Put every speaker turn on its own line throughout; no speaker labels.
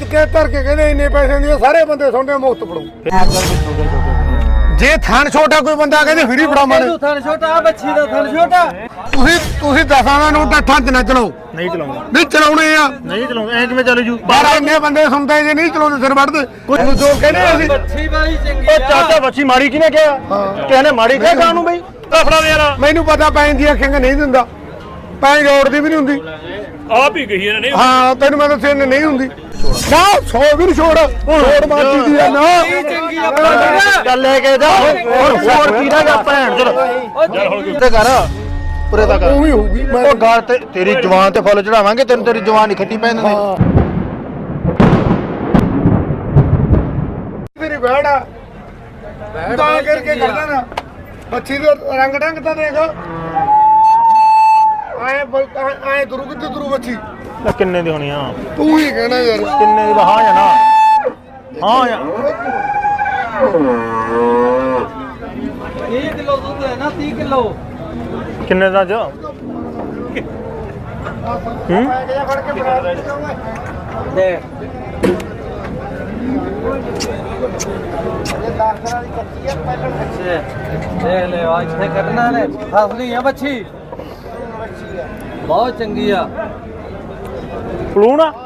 ਤੇ ਧਰ ਕੇ ਕਹਿੰਦੇ ਇੰਨੇ ਪੈਸੇ ਦੀ ਸਾਰੇ ਬੰਦੇ ਸੁਣਦੇ ਮੁਫਤ ਫੜੋ। ਜੇ ਥਣ ਛੋਟਾ ਕੋਈ ਬੰਦਾ ਕਹਿੰਦੇ ਫਰੀ ਫੜਾਵਾਂਗੇ।
ਥਣ ਛੋਟਾ ਬੱਚੀ ਦਾ ਥਣ ਛੋਟਾ।
ਤੁਸੀਂ ਦਸਾਂ ਦਾ ਨੋਟ ਅੱਠਾਂ ਚ ਨਾ ਚਲਾਓ।
ਨਹੀਂ ਚਲਾਉਂਦਾ।
ਨਹੀਂ ਚਲਾਉਣੇ ਆ।
ਨਹੀਂ ਚਲਾਉਂਦਾ ਐ ਕਿਵੇਂ ਚੱਲ ਜੂ?
ਬਾਹਰ ਇੰਨੇ ਬੰਦੇ ਸੁਣਦੇ ਜੇ ਨਹੀਂ ਚਲਾਉਂਦੇ ਸਿਰ ਵੱਢਦੇ। ਕੁਝ ਨੂੰ ਜੋ ਕਹਿੰਦੇ ਅਸੀਂ
ਬੱਚੀ ਵਾਲੀ ਚੰਗੀ
ਉਹ ਚਾਚਾ ਬੱਚੀ ਮਾੜੀ ਕਿਹਨੇ ਕਿਹਾ? ਕਿਸੇ ਨੇ ਮਾੜੀ ਕਿਹਾ ਕਾਨੂੰ ਬਈ? ਫੜਾ ਦੇ ਯਾਰ।
ਮੈਨੂੰ ਪਤਾ ਪੈਣ ਦੀ ਅੱਖਾਂ ਨਹੀਂ ਦਿੰਦਾ। ਪੈਣ ਰੋਡ ਦੀ ਵੀ ਨਹੀਂ ਹੁੰਦੀ।
ਆਪ ਹੀ ਕਹੀ ਇਹਨੇ ਨਹੀਂ।
ਹਾਂ ਤੈਨੂੰ ਮੈਂ ਦੱਸਿਆ ਨਹੀਂ ਹੁੰਦੀ। ਨਾ 100 ਵੀ ਨਹੀਂ ਛੋੜ ਮਾਰਦੀ ਦੀ ਆ ਨਾ।
ਚੰਗੀ ਆ
ਚੱਲ ਲੈ ਕੇ ਜਾ ਹੋਰ ਕੀ ਦਾ ਭੈਣ ਚਲ ਤੇ ਕਰ ਪੂਰੇ ਦਾ ਕਰ।
ਉਹ ਵੀ ਹੋਊਗੀ।
ਉਹ ਗੱਲ ਤੇ ਤੇਰੀ ਜਵਾਨ ਤੇ ਫੁੱਲ ਚੜਾਵਾਂਗੇ। ਤੈਨੂੰ ਤੇਰੀ ਜਵਾਨ ਨਹੀਂ ਖੱਟੀ ਪੈਣ ਦਿੰਦੀ।
ਤੇਰੀ ਬੈੜ ਆ ਤਾਂ ਕਰਕੇ ਕਰਦਾ ਨਾ। ਬੱਚੀ ਦਾ ਰੰਗ ਢੰਗ ਤਾਂ ਦੇਖ। ਆਏ ਦਰੂ ਕਿੱਥੇ ਦਰੂ ਬੱਚੀ।
ਕਿੰਨੇ ਦੀ ਹੋਣੀ ਆ?
ਤੂੰ ਹੀ ਕਹਿਣਾ ਯਾਰ।
ਕਿੰਨੇ ਦੀ? ਹਾਂ ਜਾਂ ਨਾ? ਹਾਂ ਜਾਂ
30 ਕਿਲੋ ਦੁੱਧ ਹੈ ਨਾ 30 ਕਿਲੋ।
ਕਿੰਨੇ ਦਾ ਜਾ?
ਦੇ ਦੇਖ ਲੈ ਆ ਇੱਥੇ ਕੱਢਣਾ ਨੇ ਫਸਲੀ ਆ ਬੱਚੀ ਬਹੁਤ ਚੰਗੀ ਆ।
ਫਲੂਣ ਆ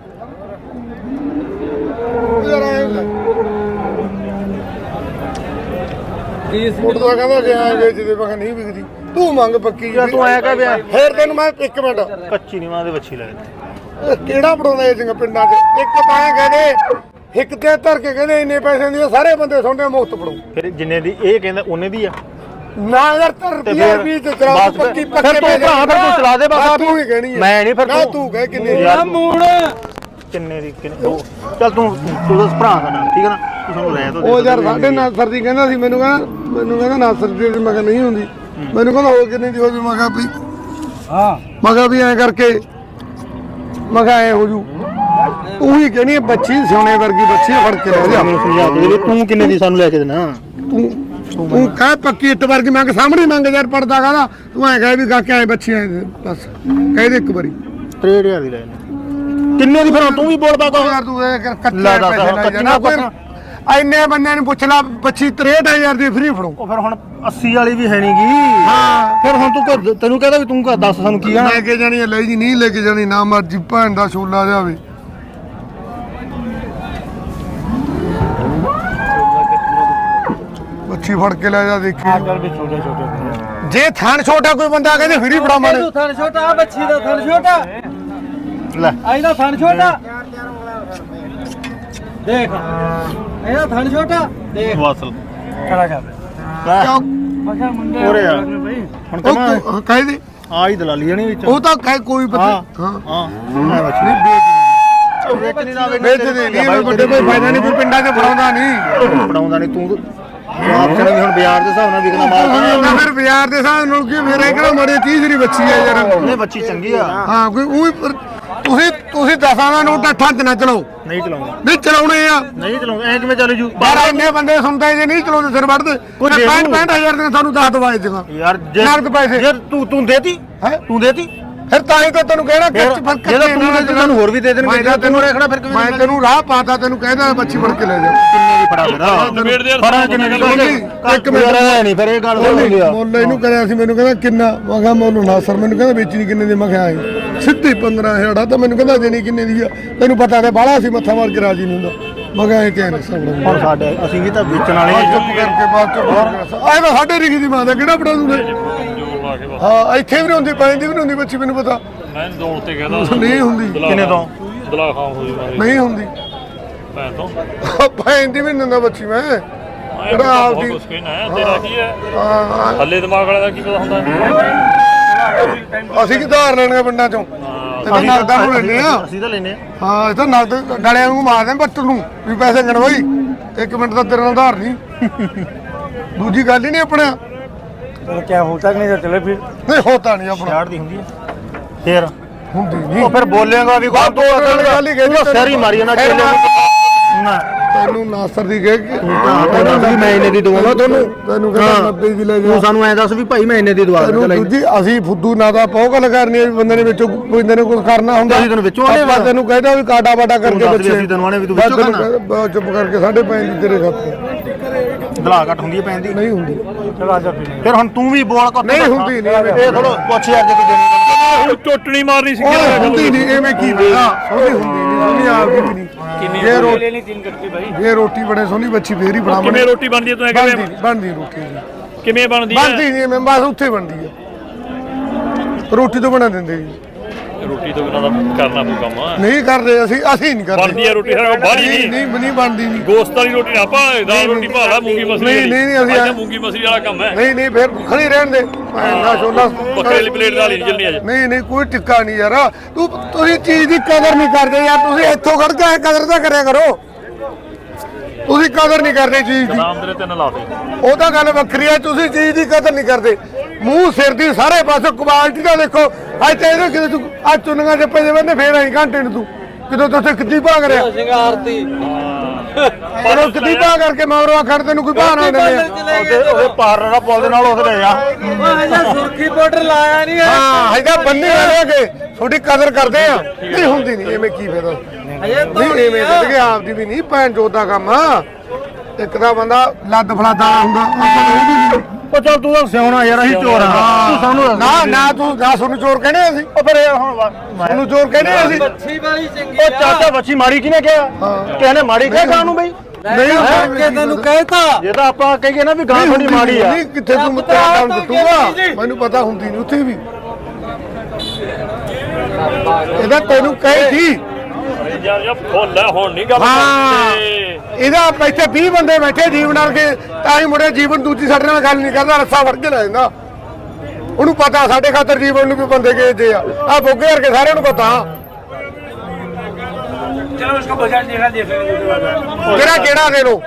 ਫੋਟੋ ਦਾ ਕਹਿੰਦਾ ਕਿ ਐ ਵੇਚਦੇ ਮੈਂ ਨਹੀਂ ਵਿਕਦੀ। ਤੂੰ ਮੰਗ ਪੱਕੀ
ਯਾਰ ਤੂੰ ਐ ਕਹਿ ਵਿਆ
ਫੇਰ ਤੈਨੂੰ ਮੈਂ ਇੱਕ ਮਿੰਟ
ਕੱਚੀ ਨਹੀਂ ਮਾਂ ਦੇ ਬੱਚੀ ਲੱਗਦੀ।
ਕਿਹੜਾ ਪੜਾਉਂਦਾ ਇਹ ਜਿਹੀਆਂ ਪਿੰਡਾਂ 'ਚ। ਇੱਕ ਤਾਂ ਐਂ ਕਹਿੰਦੇ ਇੱਕ ਤੇ ਧਰ ਕੇ ਕਹਿੰਦੇ ਇੰਨੇ ਪੈਸੇ ਦੀ ਸਾਰੇ ਬੰਦੇ ਸੁਣਦੇ ਮੁਫਤ ਪੜੋ।
ਫਿਰ ਜਿੰਨੇ ਦੀ ਇਹ ਕਹਿੰਦਾ ਉਹਨੇ ਦੀ ਆ।
ਨਾ ਯਾਰ ਧਰ ਰੁਪਿਆ ਵੀ ਤੇ ਚਲਾ
ਬਸ
ਪੱਕੀ
ਫਿਰ
ਪੱਕੇ
ਤੂੰ ਭਰਾ ਫਿਰ ਤੂੰ ਚਲਾ ਦੇ ਬਸ।
ਤੂੰ ਹੀ ਕਹਿਣੀ ਹੈ।
ਮੈਂ ਨਹੀਂ ਫਿਰ
ਨਾ ਤੂੰ ਕਹਿ ਕਿੰਨੇ ਦੀ।
ਆ ਮੂਣ
ਕਿੰਨੇ ਦੀ ਕਿੰਨੇ ਚੱਲ ਤੂੰ ਦੱਸ ਭਰਾ ਦਾ ਨਾਮ ਠੀਕ ਹੈ ਨਾ? ਤੂੰ ਸਾਨੂੰ ਲੈ
ਉਹ ਯਾਰ ਸਾਡੇ ਨਾਸਰ ਦੀ ਕਹਿੰਦਾ ਸੀ ਮੈਨੂੰ ਕਹਿੰਦਾ ਨਾਸਰ ਦੀ ਮੈਂ ਕਿਹਾ ਨਹੀਂ ਹੁੰਦੀ। ਮੈਨੂੰ ਕਹਿੰਦਾ ਹੋਰ ਕਿੰਨੇ ਦੀ ਹੋ ਜੂ। ਮੈਂ ਕਿਹਾ ਵੀ
ਹਾਂ
ਮੈਂ ਕਿਹਾ ਵੀ ਐਂ ਕਰਕੇ ਮੈਂ ਕਿਹਾ ਐ ਹੋ ਜੂ। ਤੂੰ ਹੀ ਕਹਿਣੀ ਬੱਚੀ ਸੋਨੇ ਵਰਗੀ ਬੱਚੀ ਫੜ ਕੇ ਲੈ ਜਾ।
ਮੈਨੂੰ ਸਮਝਾ ਦੇ ਤੂੰ ਕਿੰਨੇ ਦੀ ਸਾਨੂੰ ਲੈ ਕੇ ਦੇਣਾ?
ਤੂੰ ਕਹਿ ਪੱਕੀ ਇੱਟ ਵਰਗੀ ਮੰਗ ਸਾਹਮਣੇ ਮੰਗ ਯਾਰ ਪੜਦਾ ਕਹਿੰਦਾ। ਤੂੰ ਐਂ ਕਹਿ ਵੀ ਕਾਕੇ ਐ ਬੱਚੀ ਐ ਬਸ ਕਹਿ ਦੇ ਇੱਕ ਵਾਰੀ।
63,000 ਦੀ ਲੈ ਲੈ। ਕਿੰਨੇ ਦੀ ਫਿਰ ਤੂੰ ਵੀ ਬੋਲ ਪਾ ਕੋ
ਯਾਰ ਤੂੰ ਇਹ ਕੱਚੇ
ਲੈ ਦੱਸ,
ਪੈਸੇ ਲੈ ਜਾਣਾ।
ਕੱਚੀਆਂ
ਇੰਨੇ ਬੰਦਿਆਂ ਨੂੰ ਪੁੱਛ ਲਾ ਬੱਚੀ 63,000 ਦੀ ਫ੍ਰੀ ਫੜੋ।
ਉਹ ਫਿਰ ਹੁਣ 80 ਵਾਲੀ ਵੀ ਹੈ ਨਹੀਂਗੀ।
ਹਾਂ
ਫਿਰ ਹੁਣ ਤੂੰ ਤੈਨੂੰ ਕਹਿੰਦਾ ਵੀ ਤੂੰ ਦੱਸ ਸਾਨੂੰ ਕੀ ਆ?
ਲੈ ਕੇ ਜਾਣੀ ਹੈ ਲੈ ਜੀ ਨਹੀਂ ਲੈ ਕੇ ਜਾਣੀ ਨਾ ਮਰਜੀ ਭੈਣ ਦਾ ਛੋਲਾ ਜਾਵੇ। ਬੱਚੀ ਫੜ ਕੇ ਲੈ ਜਾ ਦੇਖੀ।
ਚੱਲ ਵੀ ਛੋਟੇ ਛੋਟੇ
ਜੇ ਥਣ ਛੋਟਾ ਕੋਈ ਬੰਦਾ ਕਹਿੰਦੇ ਫ੍ਰੀ ਫੜਾਵਾਂਗੇ।
ਥਣ ਛੋਟਾ ਆ ਬੱਚੀ ਦਾ ਥਣ ਛੋਟਾ।
ਲੈ
ਇਹਦਾ ਥਣ ਛੋਟਾ ਦੇਖ ਇਹਦਾ ਥਣ ਛੋਟਾ ਦੇਖ।
ਵਾਸਲ
ਖੜਾ ਕਰ ਮਖਾ ਮੁੰਡੇ
ਉਰੇ ਆ। ਹੁਣ ਕਮਾ
ਉਹ ਕਹਿ ਦੇ
ਆ ਹੀ ਦਲਾਲੀ ਜਣੀ ਵਿੱਚ।
ਉਹ ਤਾਂ ਕਹਿ ਕੋਈ ਪਤਾ
ਹਾਂ ਹਾਂ ਮੈਂ ਬੱਚੀ
ਨਹੀਂ
ਵੇਚਣੀ ਨਾ
ਵੇਚਦੇ ਨਹੀਂ ਵੱਡੇ ਕੋਈ ਫਾਇਦਾ ਨਹੀਂ ਕੋਈ ਪਿੰਡਾਂ 'ਚ ਫੜਾਉਂਦਾ ਨਹੀਂ।
ਫੜਾਉਂਦਾ ਨਹੀਂ ਤੂੰ ਆਪ ਕਹਿੰਦਾ ਵੀ ਹੁਣ ਬਾਜ਼ਾਰ ਦੇ ਹਿਸਾਬ ਨਾਲ ਵਿਕਣਾ ਮਾਲ
ਨਾ ਫਿਰ ਬਾਜ਼ਾਰ ਦੇ ਹਿਸਾਬ ਨਾਲ ਕੀ ਮੇਰੇ ਕਿਹੜਾ ਮੜੇ 30 ਦੀ ਬੱਚੀ ਆ ਯਾਰ।
ਨਹੀਂ ਬੱਚੀ ਚੰਗੀ ਆ।
ਹਾਂ ਕੋਈ ਉਹ ਤੁਸੀਂ ਦਸਾਂ ਦਾ ਨੋਟ ਅੱਠਾਂ ਚ ਨਾ ਚਲਾਓ।
ਨਹੀਂ ਚਲਾਉਂਦਾ।
ਨਹੀਂ ਚਲਾਉਣੇ ਆ।
ਨਹੀਂ ਚਲਾਉਂਦਾ ਐ ਕਿਵੇਂ ਚੱਲ ਜੂ?
ਬਾਹਰ ਇੰਨੇ ਬੰਦੇ ਸੁਣਦੇ ਜੇ ਨਹੀਂ ਚਲਾਉਂਦੇ ਸਿਰ ਵੱਢਦੇ। 65,000 ਦੀਆਂ ਤੁਹਾਨੂੰ 10 ਦਵਾਈ ਦੇਗਾ
ਯਾਰ
ਨਗਦ ਪੈਸੇ।
ਜੇ ਤੂੰ ਦੇਤੀ
ਹੈਂ?
ਤੂੰ ਦੇਤੀ
ਫਿਰ ਤਾਂ ਹੀ ਤਾਂ ਤੈਨੂੰ ਕਹਿਣਾ
ਜੇ ਤੂੰ ਦੇ ਤੈਨੂੰ ਹੋਰ ਵੀ ਦੇ ਦੇਣਗੇ। ਜੇ ਤੈਨੂੰ ਰੱਖਣਾ ਫਿਰ ਕਿਵੇਂ?
ਮੈਂ ਤੈਨੂੰ ਰਾਹ ਪਾਤਾ ਤੈਨੂੰ ਕਹਿੰਦਾ ਬੱਚੀ ਫੜ ਕੇ ਲੈ ਜਾ।
ਕਿੰਨੇ ਦੀ ਫੜਾ ਫਿਰ ਫੜਾ ਕਿੰਨੇ ਦੀ?
ਇੱਕ ਮਿੰਟ
ਨਹੀਂ ਫਿਰ ਇਹ ਗੱਲ ਹੋ ਗਈ ਆ।
ਮੁੱਲ ਇਹਨੂੰ ਕਰਿਆ ਸੀ ਮੈਨੂੰ ਕਹਿੰਦਾ ਕਿੰਨਾ। ਮੈਂ ਕਿਹਾ ਮੁੱਲ ਨਾ ਸਰ ਮੈਨੂੰ ਕਹਿੰਦਾ ਵੇਚਣੀ ਕਿੰਨੇ ਦੀ। ਮੈਂ ਕਿਹਾ ਆਏ ਸਿੱਧੀ 15,000 ਆ ਤਾਂ ਮੈਨੂੰ ਕਹਿੰਦਾ ਦੇਣੀ ਕਿੰਨੇ ਦੀ ਆ। ਤੈਨੂੰ ਪਤਾ ਤੇ ਬਾਹਲਾ ਸੀ ਮੱਥਾ ਮਾਰ ਕੇ ਰਾਜੀ ਨਹੀਂ ਹੁੰਦਾ। ਮੈਂ ਕਿਹਾ ਇਹ ਕਿਹਨੇ ਸਾਹਮਣੇ
ਹੁਣ ਸਾਡੇ ਅਸੀਂ ਵੀ ਤਾਂ ਵੇਚਣ ਵਾਲੇ
ਚੁੱਪ ਕਰਕੇ ਬਾਅਦ ਚ ਆਏ ਤਾਂ ਸਾਡੇ ਰਿਖੀ ਦੀ ਮਾਂ ਦਾ ਕਿਹੜਾ ਪੜਾ ਦੂੰਗੇ। ਹਾਂ ਇੱਥੇ ਵੀ ਨਹੀਂ ਹੁੰਦੀ ਪੈਂਦੀ ਵੀ ਨਹੀਂ ਹੁੰਦੀ ਬੱਚੀ ਮੈਨੂੰ ਪਤਾ
ਮੈਂ ਦੌੜ ਤੇ ਕਹਿੰਦਾ
ਨਹੀਂ ਹੁੰਦੀ।
ਕਿੰਨੇ ਤੋਂ?
ਦਲਾ ਖਾਂ ਹੋਈ
ਨਹੀਂ ਹੁੰਦੀ
ਭੈਣ ਤੋਂ
ਪੈਂਦੀ ਵੀ ਨਹੀਂ ਹੁੰਦਾ ਬੱਚੀ ਮੈਂ ਕਿਹੜਾ ਆਪਦੀ।
ਕੁਛ ਕਹਿਣਾ ਹੈ ਤੇਰਾ ਕੀ ਹੈ
ਹਾਂ
ਹੱਲੇ ਦਿਮਾਗ ਵਾਲੇ ਦਾ ਕੀ ਪਤਾ ਹੁੰਦਾ।
ਅਸੀਂ ਕੀ ਧਾਰ ਲੈਣਗੇ ਪਿੰਡਾਂ ਚੋਂ। ਇਹ ਤਾਂ ਨਗਦਾਂ ਨੂੰ ਲੈਣੇ ਆ।
ਅਸੀਂ ਤਾਂ ਲੈਨੇ ਆ।
ਹਾਂ ਇਹ ਤਾਂ ਨਗਦ ਡਲਿਆਂ ਨੂੰ ਮਾਰਦੇ ਬੱਟ ਨੂੰ ਵੀ ਪੈਸੇ ਗਣਵਾਈ। 1 ਮਿੰਟ ਦਾ ਤੇਰੇ ਨਾਲ ਧਾਰ ਨਹੀਂ। ਦੂਜੀ ਗੱਲ ਹੀ ਨਹੀਂ ਆਪਣਾ।
तो क्या होता नहीं तो चले फिर
ਨਹੀਂ ਹੋਤਾ ਨਹੀਂ ਆਪਣਾ।
60 ਦੀ ਹੁੰਦੀ ਹੈ ਫੇਰ
ਹੁੰਦੀ ਨਹੀਂ।
ਉਹ ਫਿਰ ਬੋਲੇਗਾ ਵੀ ਕੋਈ
ਗੱਲ ਹੀ
ਤੂੰ ਸਿਰ ਹੀ ਮਾਰੀ ਨਾ ਚੇਲੇ ਨੂੰ ਨਾ
ਤੈਨੂੰ ਨਾਸਰ ਦੀ ਕਹਿ ਕੇ
ਤੈਨੂੰ ਵੀ ਮੈਂ ਇੰਨੇ ਦੀ ਦਵਾਉਣਾ ਤੁਹਾਨੂੰ
ਤੈਨੂੰ ਕਹਿੰਦਾ 90 ਦੀ ਲੈ ਜਾ
ਤੂੰ ਸਾਨੂੰ ਐਂ ਦੱਸ ਵੀ ਭਾਈ ਮੈਂ ਇੰਨੇ ਦੀ ਦਵਾ
ਤੈਨੂੰ
ਦੇ
ਦੂਜੀ ਅਸੀਂ ਫੁੱਦੂ ਨਾ ਦਾ ਪੌ ਗੱਲ ਕਰਨੀ ਹੈ ਵੀ ਬੰਦੇ ਨੇ ਵਿੱਚੋਂ ਬੰਦੇ ਨੇ ਕੁਝ ਕਰਨਾ ਹੁੰਦਾ
ਅਸੀਂ ਤੈਨੂੰ ਵਿੱਚੋਂ ਆਨੇ
ਆਪਾਂ ਤੈਨੂੰ ਕਹਿੰਦਾ ਵੀ ਕਾਟਾ ਬਾਟਾ ਕਰਕੇ
ਦੱਸ ਵੀ ਅਸੀਂ ਤੈਨੂੰ ਆਨੇ ਵੀ ਤੂੰ ਵਿੱਚੋਂ ਖਾਣਾ
ਚੁੱਪ ਕਰਕੇ 5.5 ਦੀ ਤੇਰੇ ਖਾਤੇ
ਦਲਾ ਘਟ ਹੁੰਦੀ ਹੈ ਪੈਣ ਦੀ
ਨਹੀਂ ਹੁੰਦੀ
ਫਿਰ ਹੁਣ ਤੂੰ ਵੀ ਬੋਲ ਕਰ
ਨਹੀਂ ਹੁੰਦੀ ਨਹੀਂ
ਇਹ ਥੋੜਾ ਪੁੱਛ ਯਾਰ ਜੇ ਤੂੰ ਦੇਣੀ
ਉਹ ਟੁੱਟਣੀ ਮਾਰਨੀ ਸੀ
ਉਹ ਹੁੰਦੀ ਨਹੀਂ ਐਵੇਂ ਕੀ ਪਤਾ ਸੋਹਣੀ ਹੁੰਦੀ ਨਹੀਂ ਸੋਹਣੀ ਆਪ ਦੀ ਵੀ ਨਹੀਂ ਜੇ ਰੋਟੀ
ਲੈਣੀ 3 ਕੱਟੇ ਭਾਈ
ਜੇ ਰੋਟੀ ਬਣੇ ਸੋਹਣੀ ਬੱਚੀ ਫੇਰ ਹੀ ਬਣਾਵਾਂਗੇ
ਕਿਵੇਂ ਰੋਟੀ ਬਣਦੀ ਹੈ ਤੂੰ ਐ
ਬਣਦੀ
ਕਿਵੇਂ
ਨਹੀਂ ਬਣਦੀ ਰੋਟੀ ਜੀ
ਕਿਵੇਂ ਬਣਦੀ ਹੈ
ਬਣਦੀ ਨਹੀਂ ਮੈਂ ਬਸ ਉੱਥੇ ਬਣਦੀ ਹੈ ਰੋਟੀ ਤੋਂ ਬਣਾ ਦਿੰਦੇ ਜੀ
ਰੋਟੀ ਤੋਂ ਬਿਨਾਂ ਦਾ ਕਰਨਾ ਪਊ ਕੰਮ
ਨਹੀਂ ਕਰਦੇ ਅਸੀਂ ਨਹੀਂ ਕਰਦੇ
ਬਣਦੀ ਹੈ ਰੋਟੀ ਹਰ ਬਾਹਰੀ
ਨਹੀਂ
ਨਹੀਂ
ਨਹੀਂ ਬਣਦੀ ਨਹੀਂ
ਗੋਸਤ ਵਾਲੀ ਰੋਟੀ ਨਾ ਪਾ ਦਾਲ ਰੋਟੀ ਭਾਲਾ ਮੂੰਗੀ ਮਸਰੀ
ਨਹੀਂ, ਅਸੀਂ
ਅੱਜ ਮੂੰਗੀ ਮਸਰੀ ਵਾਲਾ ਕੰਮ ਹੈ
ਨਹੀਂ ਨਹੀਂ ਫਿਰ ਖੜੀ ਰਹਿਣ ਦੇ ਨਾ ਛੋਲਾ
ਬੱਕਰੇ ਵਾਲੀ ਪਲੇਟ ਨਾਲ ਹੀ ਨਹੀਂ ਚੱਲਣੀ ਅੱਜ
ਨਹੀਂ ਕੋਈ ਟਿੱਕਾ ਨਹੀਂ ਯਾਰ ਤੁਸੀਂ ਚੀਜ਼ ਦੀ ਕਦਰ ਨਹੀਂ ਕਰਦੇ ਯਾਰ ਤੁਸੀਂ ਇੱਥੋਂ ਖੜ ਕੇ ਕਦਰ ਤਾਂ ਕਰਿਆ ਕਰੋ ਤੁਸੀਂ ਕਦਰ ਨਹੀਂ ਕਰਦੇ ਚੀਜ਼ ਦੀ
ਨਾਮ ਤੇਰੇ ਤਿੰਨ ਲਾ ਦੇ
ਉਹ ਤਾਂ ਗੱਲ ਵੱਖਰੀ ਹੈ ਤੁਸੀਂ ਚੀਜ਼ ਦੀ ਕਦਰ ਨਹੀਂ ਕਰਦੇ ਮੂੰਹ ਸਿਰ ਦੀ ਸਾਰੇ ਪਾਸੇ ਕੁਆਲਿਟੀ ਦਾ ਦੇਖੋ ਅੱਜ ਤੇ ਇਹਦੇ ਕਿਤੇ ਤੂੰ ਅੱਜ ਚੁੰਨੀਆਂ ਚੱਪੇ ਦੇ ਬੰਦੇ ਫੇਰ ਆਈ ਘੰਟੇ ਨੂੰ ਤੂੰ ਕਿਦੋਂ ਤੁਸੀਂ ਕਿੱਦੀ ਭਾਗ ਰਿਹਾ
ਸ਼ਿੰਗਾਰਤੀ
ਪਰ ਕਿੱਦੀ ਭਾਗ ਕਰਕੇ ਮਗਰੋਂ ਖੜ ਤੈਨੂੰ ਕੋਈ ਬਹਾਨਾ ਨਹੀਂ
ਉਹਦੇ ਪਾਰ ਦਾ ਪੁੱਲ ਦੇ ਨਾਲ ਉਸ ਲੈ ਜਾ
ਹਜੇ ਸੁਰਖੀ ਪਾਊਡਰ ਲਾਇਆ ਨਹੀਂ ਹੈ
ਹਾਂ ਹੈਗਾ ਬੰਨੇ ਵਾਲੇ ਕੇ ਤੁਹਾਡੀ ਕਦਰ ਕਰਦੇ ਆ ਨਹੀਂ ਹੁੰਦੀ ਨਹੀਂ ਐਵੇਂ ਕੀ ਫਾਇਦਾ
ਹਜੇ
ਨਹੀਂ ਐਵੇਂ ਕਰਦੇ ਆਪਦੀ ਵੀ ਨਹੀਂ ਭੈਣ ਚੋਦ ਦਾ ਕੰਮ ਇੱਕ ਤਾਂ ਬੰਦਾ ਲੱਦ ਫਲਾਦਾ ਹੁੰਦਾ ਆਪਾਂ ਨੂੰ ਉਹ ਵੀ ਨਹੀਂ
ਉਹ ਚੱਲ ਤੂੰ ਤਾਂ ਸਿਆਣਾ ਯਾਰ ਅਸੀਂ ਚੋਰ ਹਾਂ ਤੂੰ ਸਾਨੂੰ ਦੱਸ
ਨਾ ਤੂੰ ਨਾ ਸਾਨੂੰ ਚੋਰ ਕਹਿੰਦੇ ਅਸੀਂ
ਉਹ ਫਿਰ ਯਾਰ ਹੁਣ
ਸਾਨੂੰ ਚੋਰ ਕਹਿੰਦੇ ਅਸੀਂ
ਮੱਛੀ ਵਾਲੀ ਚੰਗੀ
ਉਹ ਚਾਚਾ ਬੱਚੀ ਮਾੜੀ ਕਿਹਨੇ ਕਿਹਾ ਕਿਸੇ ਨੇ ਮਾੜੀ ਕਿਹਾ ਗਾਂ ਨੂੰ ਬਈ
ਨਹੀਂ
ਕਿ ਤੈਨੂੰ ਕਹਿਤਾ
ਜੇ ਤਾਂ ਆਪਾਂ ਕਹੀਏ ਨਾ ਵੀ ਗਾਂ ਥੋੜੀ ਮਾੜੀ ਆ
ਨਹੀਂ ਕਿੱਥੇ ਤੂੰ ਤੇਰਾ ਕੰਮ ਦਿੱਤੂਗਾ ਮੈਨੂੰ ਪਤਾ ਹੁੰਦੀ ਨਹੀਂ ਉੱਥੇ ਵੀ ਇਹਦਾ ਤੈਨੂੰ ਕਹੇ ਸੀ
ਯਾਰ ਫੁੱਲ ਹੈ ਹੁਣ ਨਹੀਂ ਗੱਲ
ਹਾਂ ਇਹਦਾ ਇੱਥੇ 20 ਬੰਦੇ ਬੈਠੇ ਜੀਵਨ ਨਾਲ ਕੇ ਤਾਂ ਹੀ ਮੁੜੇ ਜੀਵਨ ਦੂਜੀ ਸਾਡੇ ਨਾਲ ਗੱਲ ਨਹੀਂ ਕਰਦਾ ਰੱਸਾ ਫੜ ਕੇ ਲੈ ਜਾਂਦਾ ਉਹਨੂੰ ਪਤਾ ਸਾਡੇ ਖਾਤਰ ਜੀਵਨ ਨੂੰ ਵੀ ਬੰਦੇ ਗੇਜਦੇ ਆ ਬੋਗੇ ਵਰਗੇ ਸਾਰਿਆਂ ਨੂੰ ਪਤਾ
ਚਲੋ ਇਸਕੋ ਬਾਜ਼ਾਰ ਦੇਖਾ ਦੇਖ
ਕਿਹੜਾ ਕਿਹੜਾ ਦੇ ਲੋ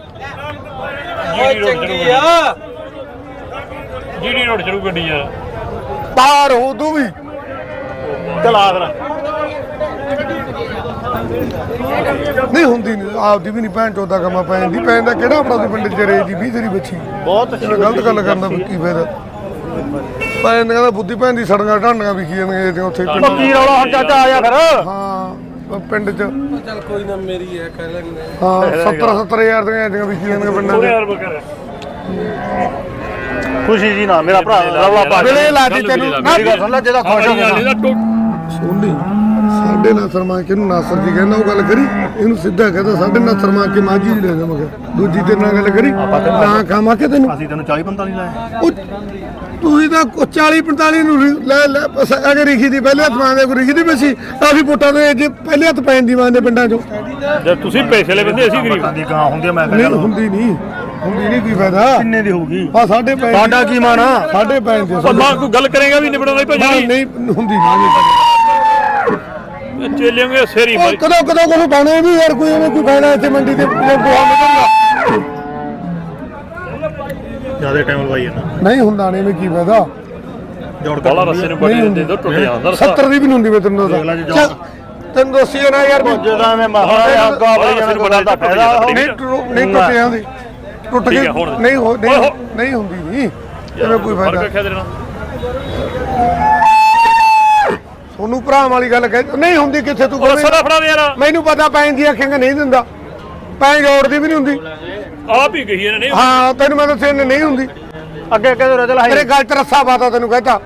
ਚੰਗੀ ਆ
ਜਿਹੜੀ ਰੋਡ ਚੜੂ ਗੱਡੀ ਯਾਰ
ਪਾਰ ਹੋ ਤੂੰ ਵੀ
ਚਲਾ ਫਿਰ
ਨਹੀਂ ਹੁੰਦੀ ਨਹੀਂ ਆਪਦੀ ਵੀ ਨਹੀਂ ਭੈਣ ਚੋਦਾ ਕੰਮਾਂ ਪੈ ਜਾਂਦੀ ਪੈਣ ਦਾ ਕਿਹੜਾ ਆਪਣਾ ਦੇ ਪਿੰਡ ਚ ਰੇਜ ਦੀ 20 ਤੇਰੀ ਬੱਚੀ
ਬਹੁਤ
ਇਹ ਗਲਤ ਗੱਲ ਕਰਨਾ ਕੀ ਫਾਇਦਾ ਪੈਣ ਦਾ ਕਹਿੰਦਾ ਬੁੱਧੀ ਭੈਣ ਦੀ ਸੜੀਆਂ ਢਾਂਡੀਆਂ ਵਿਖੀ ਜਾਂਦੀਆਂ ਤੇ ਉੱਥੇ ਪਿੰਡ
ਕੀ ਰੌਲਾ ਹੁਣ ਚਾਚਾ ਆ ਜਾ ਫਿਰ
ਹਾਂ ਉਹ ਪਿੰਡ ਚ
ਚੱਲ ਕੋਈ ਨਾ ਮੇਰੀ ਹੈ ਕਹਿ ਲੈਂਦੇ
ਹਾਂ 70,000 ਦੀਆਂ ਐਡੀਆਂ ਵਿਖੀ ਜਾਂਦੀਆਂ ਪਿੰਡਾਂ 'ਚ
ਯਾਰ ਬੱਕਰ
ਖੁਸ਼ੀ ਜੀ ਨਾ ਮੇਰਾ ਭਰਾ ਰੌਲਾ ਪਾ
ਵੇਲੇ ਲਾਤੀ ਤੈਨੂੰ
ਮੇਰੀ ਗੱਲ ਸੁਣ ਲੈ ਜਿਹਦਾ ਖੁਸ਼ ਹੋ ਗਿਆ
ਸੋਨੀ ਸਾਡੇ ਨਾਲ ਸਰਮਾ ਕੇ ਨੂੰ ਨਾਸਰ ਜੀ ਕਹਿੰਦਾ ਉਹ ਗੱਲ ਕਰੀ ਇਹਨੂੰ ਸਿੱਧਾ ਕਹਿੰਦਾ ਸਾਡੇ ਨਾਲ ਸਰਮਾ ਕੇ ਮਾਝੀ ਜੀ ਲੈ ਜਾ ਮਗਾ ਦੂਜੀ ਤੇਰੇ ਨਾਲ ਗੱਲ ਕਰੀ ਨਾ ਖਾਵਾਂ ਕਿ ਤੈਨੂੰ
ਅਸੀਂ ਤੈਨੂੰ 40-45 ਲਾਏ
ਉਹ ਤੁਸੀਂ ਤਾਂ 40-45 ਨੂੰ ਲੈ ਅਗਰ ਰਿਖੀ ਦੀ ਪਹਿਲੇ ਹੱਥ ਮਾਂਦੇ ਕੋਈ ਰਿਖੀ ਦੀ ਬਸੀ ਤਾਂ ਅਸੀਂ ਪੁੱਟਾਂ ਦੇ ਜੇ ਪਹਿਲੇ ਹੱਥ ਪੈਣ ਦੀ ਮਾਂਦੇ ਪਿੰਡਾਂ 'ਚੋਂ
ਜੇ ਤੁਸੀਂ ਪੈਸੇ ਲੈ ਬੰਦੇ ਅਸੀਂ ਗਰੀਬ
ਦੀ ਗਾਂ ਹੁੰਦੀ ਆ, ਮੈਂ
ਨਹੀਂ ਹੁੰਦੀ ਨਹੀਂ ਕੀ ਫਾਇਦਾ
ਕਿੰਨੇ ਦੀ ਹੋਊਗੀ
ਆ ਸਾਡੇ ਪੈਣ
ਸਾਡਾ ਕੀ ਮਾਣਾ
ਸਾਡੇ ਪੈਣ ਦੇ
ਮਾਂ ਕੋਈ ਗੱਲ ਕਰੇਗਾ ਵੀ ਨਿਬੜਾਉਣਾ ਹੀ ਭਾਜੀ
ਨਹੀਂ ਹੁੰਦੀ ਨਹੀਂ
ਚੇਲਿਆਂਗੇ ਸੇਰੀ
ਉਹ ਕਦੋਂ ਕੋਈ ਬਾਣੇ ਵੀ ਯਾਰ ਕੋਈ ਐਵੇਂ ਕੋਈ ਬਾਣਾ ਇੱਥੇ ਮੰਡੀ ਤੇ ਗੋਹਾ ਨਿਕਲਦਾ
ਜਿਆਦਾ ਟਾਈਮ ਲਵਾਈ ਜਾਂਦਾ
ਨਹੀਂ ਹੁੰਦਾ ਨਹੀਂ ਐਵੇਂ ਕੀ ਫਾਇਦਾ
ਜੋੜ
ਬਾਲਾ ਰਸੇ ਨੂੰ ਬੜੀ ਦਿੰਦੇ ਟੁੱਟ ਜਾਂਦਾ
70 ਦੀ ਵੀ ਨਹੀਂ ਹੁੰਦੀ ਮੈਂ ਤੈਨੂੰ
ਦੇਖ ਲੈ ਜੀ
ਦੱਸਦਾ ਤੈਨੂੰ ਦੱਸੀ ਨਾ ਯਾਰ
ਜਦੋਂ ਮੈਂ ਮਹਾਰਾਜ ਅੱਗਾ ਬਈ ਜਿਵੇਂ ਕੋਈ ਗੱਲ ਦਾ ਫਾਇਦਾ
ਨਹੀਂ ਟੁੱਟ ਜਾਂਦੀ ਟੁੱਟ
ਠੀਕ
ਗਈ
ਹੈ, ਹੁਣ।
ਨਹੀਂ ਹੁੰਦੀ ਨਹੀਂ ਐਵੇਂ ਕੋਈ
ਫਰਕ
ਫਾਇਦਾ
ਰੱਖਿਆ ਤੇਰੇ ਨਾਲ
ਤੁਹਾਨੂੰ ਭਰਾ ਵਾਲੀ ਗੱਲ ਕਹਿ ਨਹੀਂ ਹੁੰਦੀ ਕਿੱਥੇ ਤੂੰ
ਉਹ
ਕਹਵੇਂ
ਸਦਾ ਫੜਾ ਦੇ ਯਾਰ
ਮੈਨੂੰ ਪਤਾ ਪੈਣ ਦੀ ਆਖੇਂਗਾ ਨਹੀਂ ਦਿੰਦਾ ਪੈਣ ਜੋੜਦੀ ਵੀ ਨਹੀਂ ਹੁੰਦੀ
ਆਪ ਹੀ ਕਹੀ ਇਹਨੇ ਨਹੀਂ
ਹਾਂ ਤੈਨੂੰ ਮੈਂ ਦੱਸਿਆ ਨਹੀਂ ਹੁੰਦੀ
ਅੱਗੇ ਅੱਗੇ ਰਜਲ
ਤੇਰੇ ਗੱਲ ਤੇ ਰੱਸਾ ਪਾਤਾ ਤੈਨੂੰ ਕਹਤਾ